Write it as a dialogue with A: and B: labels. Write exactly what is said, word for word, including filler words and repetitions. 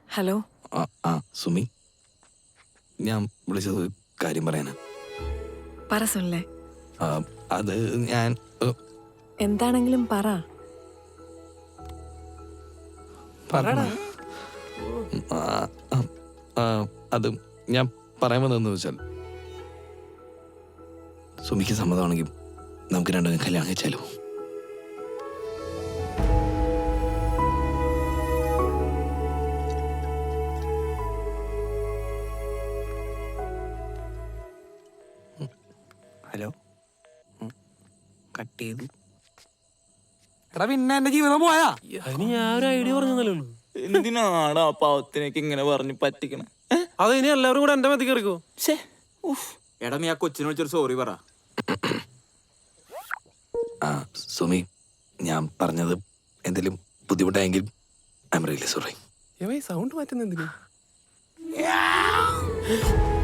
A: Hello.
B: ആ ആ സുമി, ഞാൻ വിളിച്ചത് കാര്യം പറയാനാ.
A: പറ സുനിലെ.
B: അത് ഞാൻ
A: എന്താണെങ്കിലും പറ.
B: പറയടാ. അത് ഞാൻ പറയാൻ വന്നതെന്ന് വെച്ചാൽ, സുമിക്ക് സമ്മതമാണെങ്കിൽ നമുക്ക് രണ്ടും കല്യാണം കഴിച്ചാലോ?
C: ഹലോ, കട്ട് ചെയ്തു. എടാ പിന്നെ എന്റെ ജീവിതം പോയാ?
D: അതിന് ഞാൻ ഒരു ഐഡിയ പറഞ്ഞല്ലോ.
C: എന്തിനാണ് ആ പാവത്തിനൊക്കെ ഇങ്ങനെ പറഞ്ഞ് പറ്റിക്കണേ?
D: അത് ഇനി എല്ലാവരും കൂടെ എന്റെ മതി കയറിക്കോ.
C: എടാ നീ ആ കൊച്ചിനെ വിളിച്ചൊരു സോറി പറ.
B: ആ സുമി, ഞാൻ പറഞ്ഞത് എന്തെങ്കിലും ബുദ്ധിമുട്ടായെങ്കിൽ I'm really sorry.
D: Sound മാറ്റുന്ന എന്തിനാ?